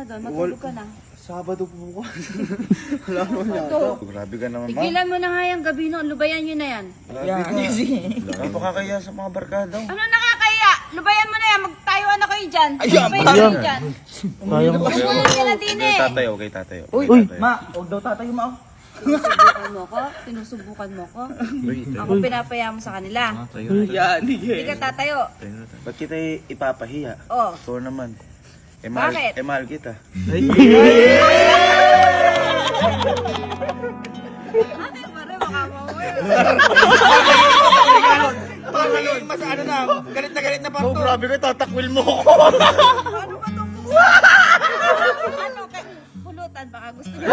doon? Matulog ka na. Sabado po bukas. Wala naman yata. Grabe ka naman, ma. Tigilan mo na nga yung gabi no. Lubayan nyo na yan. Grabe ka. Napakakaya sa mga barkada. Ano nakakaya? Lubayan mo na yan. Magtayuan na kayo dyan. Lubayan na kayo dyan. Umulan ka na din eh. Tatayo, kay tatayo. Uy, ma, huwag daw tatayo ma. Sinusubukan mo ko? Sinusubukan mo ko? Ako pinapaya mo sa kanila. Yan, Hindi ka tatayo. Ba't kita ipapahiya? Oh. So naman. Bakit? Mahal kita. Ate, pare, baka mawala. Parang mas ano na, galit na Oh, grabe ka, tatakwil mo ako. Ano ba itong ano? Pulutan, baka gusto niyo.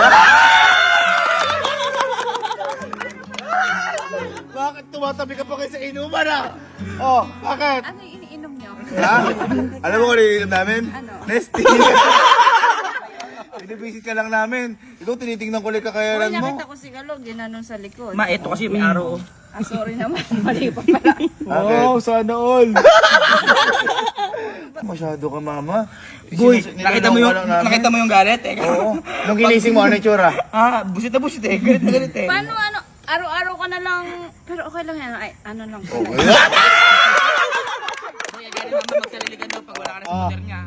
Bakit tumatabi ka pa kayo sa inuman ah? Oh, bakit? Ano yung iniinom niyo? Ha? Alam mo kung ano yung namin? Ano? Nesty. Binibisit ka lang namin. Ikaw tinitingnan ko lang Uy, kakayaran mo. nakita ko si Galog, ginanon sa likod. Ma, ito kasi may araw. Ah, sorry naman. Mali pa pala. Wow, sana all. Masyado ka, mama. Boy, Nilaloko lang namin. nakita mo yung galit eh. Oo. Nung ginising mo, ano yung tsura? Ah, busit na busit eh. Galit na galit eh. Paano ano? Araw-araw ka na lang. Pero okay lang yan. Ay, ano lang. Kuya, galit naman magsaliligan daw pag wala ka na sa motor niya.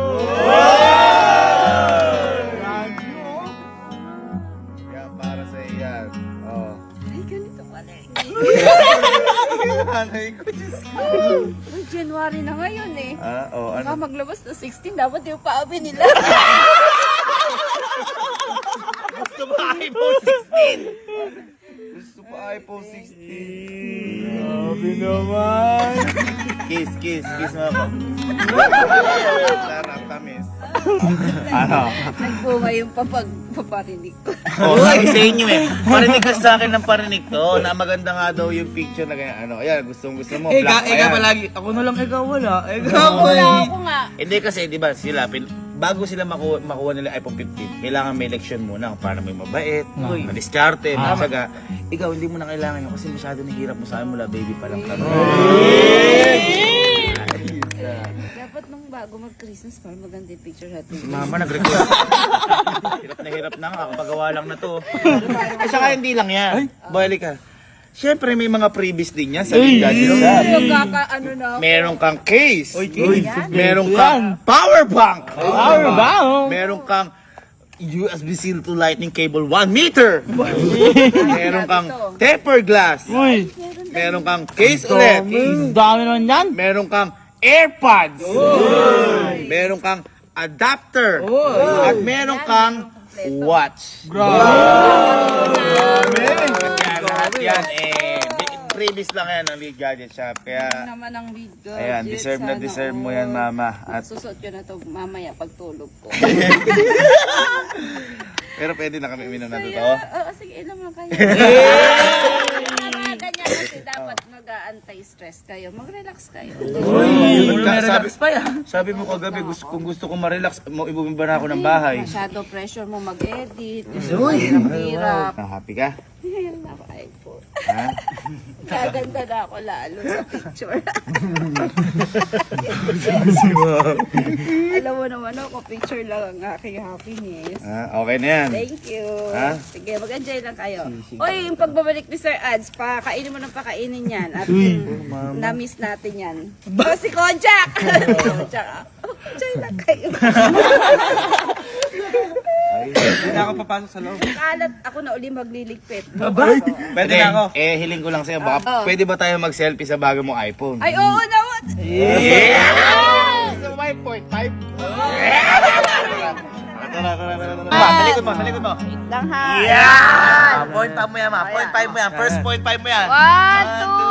Yan, para sa iyan. Oh. Ay, ganito pala. Nanay ko, Diyos ko. Uy, January na ngayon eh. Oh, Baka ano? maglabas na 16, dapat yung paabi nila. Gusto ba iPhone 16? Gusto pa iPhone 16. Grabe naman. Kiss mo ako. Sarap, tamis. Ano? Nagbunga yung paparinig ko. Oh, sabi sa inyo eh. Parinig ka sa akin ng parinig to na maganda nga daw yung picture na ganyan. Ano, ayan, gusto mo. Black pa Eka yan. palagi. Ako na lang, ikaw wala. Ikaw Wala eh. ako nga. Hindi kasi, di ba, sila, bago sila makuha nila iPhone 15, kailangan may election muna para may mabait, madiskarte, matyaga. Ikaw, hindi mo na kailangan yun kasi masyado nahihirap mo sa akin mula baby pa lang kami. Dapat nung bago mag-Christmas, para maganda yung picture natin. Mama, nag-request. Hirap na nga, kapagawa lang na to. At saka hindi lang yan. Balik ka. Siyempre, may mga freebies din yan sa Gadget Shop. Ano na ako. Meron kang case. Yan. Meron kang power bank. Power bank? Meron kang USB-C to lightning cable 1 meter. Meron kang tempered glass. Meron kang case ulit. Dami naman yan. Meron kang AirPods. Meron kang adapter. At meron kang watch. Lahat yan previous lang yan ng Lead Gadget Shop. Kaya Naman ang lead ko. ayan, deserve na deserve mo yan, mama. At Susot ko na to mamaya pagtulog ko. pero pwede na kami uminom na Saya. totoo. Oo, sige, ilam lang kayo. Ganyan kasi dapat mag-anti-stress kayo. Mag-relax kayo. Sabi mo kagabi, kung gusto ko ma-relax, ibubimba na ako ng bahay. Masyado pressure mo mag-edit. Hirap. Happy ka? Ngayon na ako iPhone. Ha? Gaganda na ako lalo sa picture. Alam mo naman ako, picture lang ang aking happiness. Okay na yan. Thank you. Ha? Sige, mag-enjoy lang kayo. Oy, yung pagbabalik ni Sir Ads, pakainin mo ng pakainin yan. At na-miss natin yan. Oh, si Kojak! Kojak, enjoy lang kayo. Hindi na ako papasok sa loob. Kalat ako na uli magliligpit. Pwede na ako. Hiling ko lang sa'yo, baka pwede ba tayo mag-selfie sa bago mong iPhone? Ay, oo naman! So, 5.5? Talikod mo. Lang ha. Yeah! Point 5 mo yan, ma. Point 5 mo yan. First point 5 mo yan. 1, 2,